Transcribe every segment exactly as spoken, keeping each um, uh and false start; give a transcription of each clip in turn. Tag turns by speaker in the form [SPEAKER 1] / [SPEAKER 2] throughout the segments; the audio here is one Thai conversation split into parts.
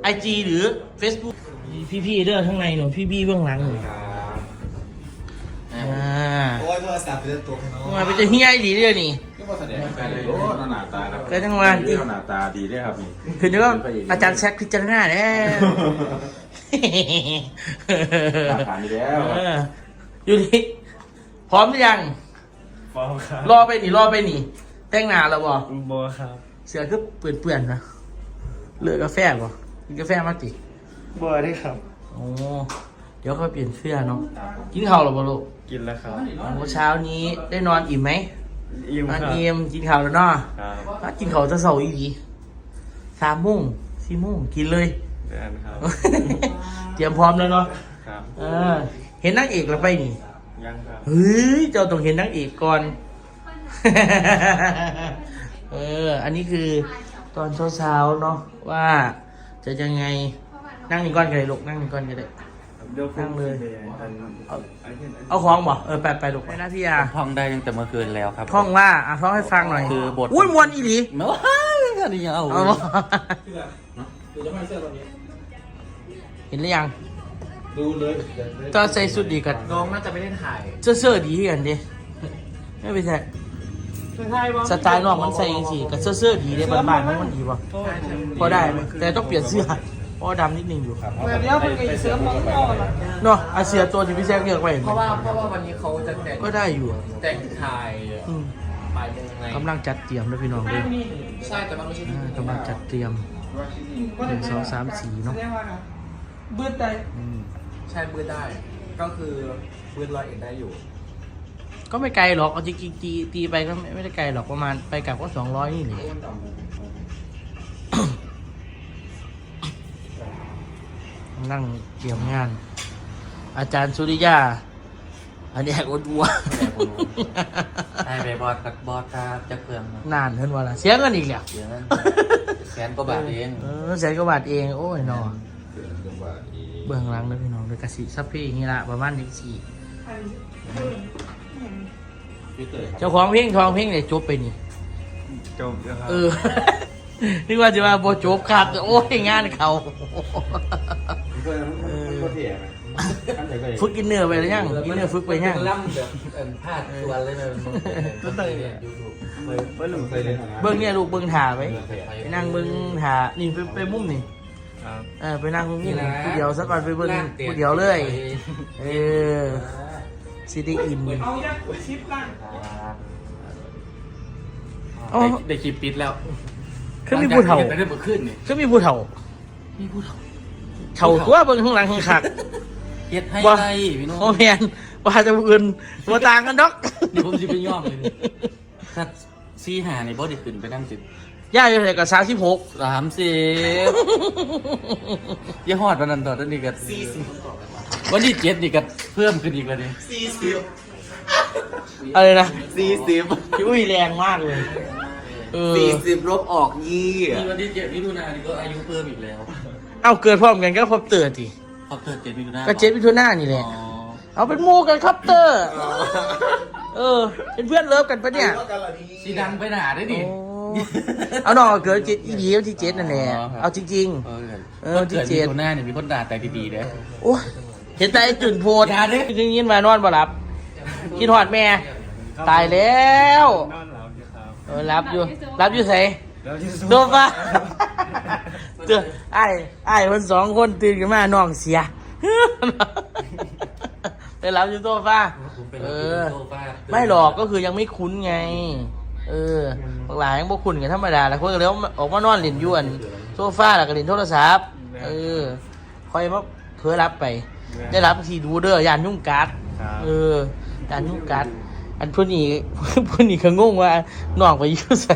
[SPEAKER 1] จี หรือ Facebook พี่ๆเด้อข้างในหนูพี่ๆเบื้องหลังหนูอ่า
[SPEAKER 2] โอ้ยโทรศัพท์เป็นตัวน้อง
[SPEAKER 1] มาเป็นจะเฮี้ยดีเด้อนี่
[SPEAKER 3] ก็มาแสดงแฟนเลยโอ้หน้าตาครับ
[SPEAKER 1] ก็ทั้งวันที่
[SPEAKER 3] หน้าตาดีด้วยครับนี่
[SPEAKER 1] คือนึกว่าอาจารย์แซคพิจารณาแล้ว
[SPEAKER 3] หน้าตาดีแล้ว
[SPEAKER 1] อยู่นี่พร้อมหรือยัง
[SPEAKER 4] พร้อมครับ
[SPEAKER 1] รอไปหนิรอไปหนิแต่งหน้าแล้วบ่
[SPEAKER 4] บอครับ
[SPEAKER 1] เสือก็เปื่อนๆนะเลือกกาแฟบ่กินกาแฟมาติ
[SPEAKER 4] บอได้ครับ
[SPEAKER 1] โอ้เดี๋ยวค่อยเปลี่ยนเสื้อเนาะกินข้าวหรือเปล่าลูก
[SPEAKER 4] กินแล้วครับ
[SPEAKER 1] เมื่อเช้านี้ได้นอนอิ่มไหม
[SPEAKER 4] อิ่ม
[SPEAKER 1] นอน
[SPEAKER 4] ครับ
[SPEAKER 1] อิ่มกินข้าวแล้วเนาะ
[SPEAKER 4] ครับ
[SPEAKER 1] กินข้าวจะเสาร์อีกสามโมงสี่โมงกินเลย
[SPEAKER 4] เดือนครับ
[SPEAKER 1] เตรียมพร้อมแล้วเนาะ
[SPEAKER 4] ครับ
[SPEAKER 1] เออเห็นนางเอกแล้วไปนี่
[SPEAKER 4] ยังครับ
[SPEAKER 1] เฮ้ยเจ้าต้องเห็นนางเอกก่อน เอออันนี้คือตอนเช้าๆเนาะว่าจะยังไงนั่งนี่ก้อนกันเลยลูกนั่งนี่ก้อนกันเลย
[SPEAKER 4] เดี๋ยว
[SPEAKER 1] นั่งเลย
[SPEAKER 4] อัน
[SPEAKER 1] เอาเอาของบ่เออไปไปลูกไปนะพี่ยา
[SPEAKER 5] ท่องได้ตั้งแต่เมื่อคืนแล้วครับ
[SPEAKER 1] ท่องว่าอ่ะท่องให้ฟังหน่อย
[SPEAKER 5] คือบท
[SPEAKER 1] อุ้ยมวนอีหลี
[SPEAKER 5] ไม่ว่าอันนี้ยังเอา
[SPEAKER 1] เอาบ่เห็นหรือยัง
[SPEAKER 2] ดูเลย
[SPEAKER 1] ตอนใส่สุดดีกัน
[SPEAKER 2] น้องน่าจะไม่ได้ถ่าย
[SPEAKER 1] เสื้อเสื้อดีกันดิไม่ไปใช่สไตล์น้องมันใส่ยังสิกับเสื้อเสื้อดีเลยบ้านๆมันมันดีป่ะพอได้ไหมแต่ต้องเปลี่ยนเสื้อเพราะดำนิดนึงอยู่
[SPEAKER 2] แบบนี้เป็นไงเสื้อของพ่อละ
[SPEAKER 1] เนาะอาเซียตัวที่พี่แซกเลือกไป
[SPEAKER 2] เพราะว่าเพราะว่าวันนี้เขาจะแต่ง
[SPEAKER 1] ก็ได้อยู่
[SPEAKER 2] แต่งถ่าย
[SPEAKER 1] อืม
[SPEAKER 2] ปลายโมงไง
[SPEAKER 1] กำลังจัดเตรียมด้วยพี่น้องด้วย
[SPEAKER 2] ใช่แต่มันไม่ใช่
[SPEAKER 1] อ่ากำลังจัดเตรียมหนึ่งสองสามสี่เนาะ
[SPEAKER 2] บืดได้
[SPEAKER 1] อืม
[SPEAKER 2] ใช่บืดได้ ก็คือบืดร้อยเอ็ดได้อยู่
[SPEAKER 1] ก็ไม่ไกลหรอกเอาจริงๆตีตีไปก็ไม่ไม่ได้ไกลหรอกประมาณไปกลับก็สองร้อยนี่เลยนั่งเตรียมงาน อาจารย์สุริยา อันนี้แหกอดวัว
[SPEAKER 5] ไอ้เบบอสกับบอสครับจะเครื่อง
[SPEAKER 1] นานเท่านว่าละเสียเงินอีกแล้ว
[SPEAKER 5] เดี๋ยวนั้นแสนกว่าบาทเอง
[SPEAKER 1] เออแสนกว่าบาทเองโอ้ยนอเบื้องหลังเลยพี่น้องโดยกสิซัพพี่นี่ละประมาณนี้สี่เจ้าของเพลงทองเพลงเนี่ยจบไปนี่
[SPEAKER 4] จบแล้วครับ
[SPEAKER 1] เออ นึกว่าจะว่าโบจบขาดโอ้ยงานเขาฝึกกินเนื้อไปหรือยังกินเนื้อฝึกไปยัง
[SPEAKER 2] ล่ำแบบเอ็นพลาดตัวเลยนะมันต้องยูทูบ
[SPEAKER 4] ไม่หลุดไปเลย
[SPEAKER 1] เบิ้งเนี่ยลูกเบิ้งถ่าไปไปนั่งเบิ้งถ่านี่ไปไปมุมนี่
[SPEAKER 4] ครับ
[SPEAKER 1] เออไปนั่งมุมผู้เดียวสักก่อนไปเบิ้งผู้เดียวเลย เออซิตี้อิน
[SPEAKER 2] เอายักษ์ชิปกัน
[SPEAKER 1] อ๋อ
[SPEAKER 5] ได้คลิปปิดแล้ว
[SPEAKER 1] คือมีผู้เฒ่า
[SPEAKER 5] ไม่ได้เมื่อคืนนี่
[SPEAKER 1] คือมีผู้เฒ่า
[SPEAKER 5] มีผู้เฒ่า
[SPEAKER 1] เฒ่าตัวเบิ้งข้างหลังข้างขัก
[SPEAKER 5] เฮ็ดให้
[SPEAKER 1] ว่า
[SPEAKER 5] ได้พี่น้อง
[SPEAKER 1] โอแมนว่าจะอื่นว่าต่างกันดอก
[SPEAKER 5] นี่ผมจะไปย่อมเลยนี่ถ้าซีหาในบอสได้ขึ้นไปนั่งสิบ
[SPEAKER 1] ย่าอยู่ไหนกับสามสิบหก
[SPEAKER 5] สามสิบยี่หอดวันนั้นต่อตอนนี้ก็สี่สิบวันที่เจ็ดนี่ก็เพิ่มขึ้นอีกแล้วนี่
[SPEAKER 2] สี่สิบ
[SPEAKER 1] อะไรนะ
[SPEAKER 2] สี่สิบ
[SPEAKER 1] พี่อุ้ยแรงมากเลยเออ
[SPEAKER 2] สี่สิบลบออกยี่
[SPEAKER 5] นี่วันที่เจ็ดมิถุนายนนี่ก็อายุเพิ่มอีกแล้ว
[SPEAKER 1] เอาเกิดพร้อมกันก็พบเตือนที
[SPEAKER 5] พอเกิดเจ็ดมิถุนายน
[SPEAKER 1] ก็เจ็ดมิถุนายนนี่แห
[SPEAKER 5] อ๋
[SPEAKER 1] ละ
[SPEAKER 5] อ
[SPEAKER 1] เอาเป็นหมู่กันครับเตอร์เออเป็นเพื่อนเลิฟกันปะเนี่ย
[SPEAKER 5] สีดังไปหนาได้ดิ
[SPEAKER 1] โอ้เอาน้องเกิดเจ็ดอีดีวันที่เจ็ดนั่นแหละเอาจริง
[SPEAKER 5] เออ
[SPEAKER 1] เออ
[SPEAKER 5] คน
[SPEAKER 1] ที่
[SPEAKER 5] เกิด
[SPEAKER 1] เจ็
[SPEAKER 5] มิ
[SPEAKER 1] ด
[SPEAKER 5] ถุนายนเนี่ยมีคนด่าแต่ดีๆเด้อ
[SPEAKER 1] ๆโอ้ยเห็นแต่ไอ้จุนโพด
[SPEAKER 5] อย่าดิ
[SPEAKER 1] จริงยินมานอนบ่หลับกินหอดแม่ ตายแล้ว
[SPEAKER 4] นอนหลับอยู่ครับ
[SPEAKER 1] เออรับอยู่รับอยู่ไส
[SPEAKER 4] แล้วที่สุด
[SPEAKER 1] โดนปะเตือนไอ้ไอ้คนสองคนตื่นขึ้นมาน้องเสียไปรับอยู่โซฟา
[SPEAKER 5] ผมไป
[SPEAKER 1] เอ
[SPEAKER 5] รับ
[SPEAKER 1] อ
[SPEAKER 5] โซฟา
[SPEAKER 1] ไม่หรอกก็คือยังไม่คุ้นไง เออพวกหลายยังบ่คุ้นกันธรรมดาแล้วคนก็เลยออกมานอนเล่นอยวนโซฟาแล้วก็เล่นโทรศัพท์เออคอยมาเผลอรับไป ได้รับทีดูเด้อยานยุ่งกัดเออยานยุ่งกัดอันพวกนี้ พวกนี้ก็งงว่าน้องไปอยู่ใส่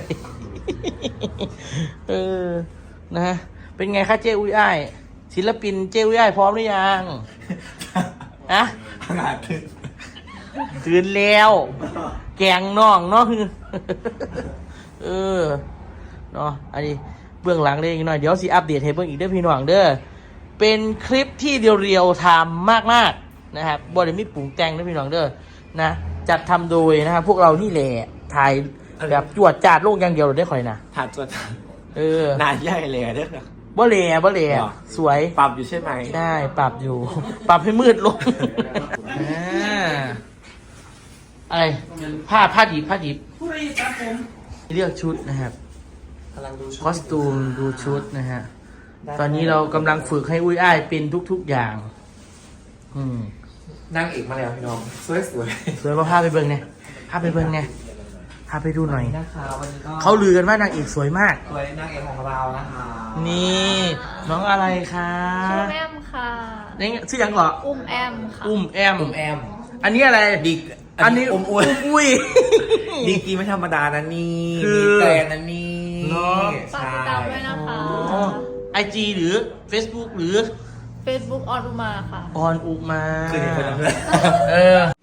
[SPEAKER 1] เออนะฮะเป็นไงคะเจ้อุ้ยอ้ายศิลปินเจ้อุ้ยอ้ายพร้อมหรือยังอะ
[SPEAKER 4] ขนาดถึง
[SPEAKER 1] ตื่นแล้ว แกงน้องเนาะ เออเนาะอันนี้เบื้องหลังเล็กน้อยเดี๋ยวสิอัปเดตให้เบิ่งอีกเด้อพี่น้องเด้อเป็นคลิปที่เรียวๆไทม์มากๆนะครับบ่ได้มีปรุงแต่งเด้อพี่น้องเด้อนะจัดทำโดยนะครับพวกเรานี่แหละถ่ายแบบจวดจาดโลกอย่างเดียวเลยได้ค่อยนะ
[SPEAKER 2] ถัดตัวถัด
[SPEAKER 1] เออ
[SPEAKER 2] นานใหญ่เลยเด้อ
[SPEAKER 1] บ่แหล่บ่แหล่
[SPEAKER 4] หรอ
[SPEAKER 1] สวย
[SPEAKER 4] ปรับอยู่ใช่ไหม
[SPEAKER 1] ได้ปรับอยู่ ปรับให้มืดลงอ่าอะไรผ้าผ้าดิบผ้าดิบเลือกชุดนะครับ
[SPEAKER 4] กำลังดูชุด
[SPEAKER 1] คอสตูมดูชุดนะฮะ ตอนนี้เรากำลังฝึกให้อุ้ยอ้ายเป็นทุกๆอย่าง อืม
[SPEAKER 4] นั่งเอกมาแล้วพี่น้องสวยสวย
[SPEAKER 1] สวยมาพาไปเบิ่งเนี่ยพาไปเบิ่งเนี่ยพาไปดูหน่อย
[SPEAKER 4] นะคะวันนี้ก็
[SPEAKER 1] เขาลือกันว่านางเอกสวยมาก
[SPEAKER 4] สวยนางเอกของเรานะคะ
[SPEAKER 1] นี่ น้องอะไรคะ
[SPEAKER 6] ชื่อแอมค่ะ
[SPEAKER 1] นี่ชื่อยังเหรอ
[SPEAKER 6] อุ้มแอมค่ะ
[SPEAKER 1] อุ้มแอม
[SPEAKER 4] ผมแอม
[SPEAKER 1] อันนี้อะไร
[SPEAKER 4] ดิก
[SPEAKER 1] อันนี้
[SPEAKER 4] อมอ้วน
[SPEAKER 1] อุ้ย
[SPEAKER 4] ดีกรีไม่ธรรมดานะนี่
[SPEAKER 1] คือ
[SPEAKER 4] มีแกรนนะนี่
[SPEAKER 1] เนอะ
[SPEAKER 6] ฝากติดตามด้วยนะคะ
[SPEAKER 1] ไอจีหรือ Facebook หรือ
[SPEAKER 6] Facebook ออนอุมาค่ะ
[SPEAKER 1] ออนอุมา
[SPEAKER 4] คือเห็นคนนั้นเลย
[SPEAKER 1] เออ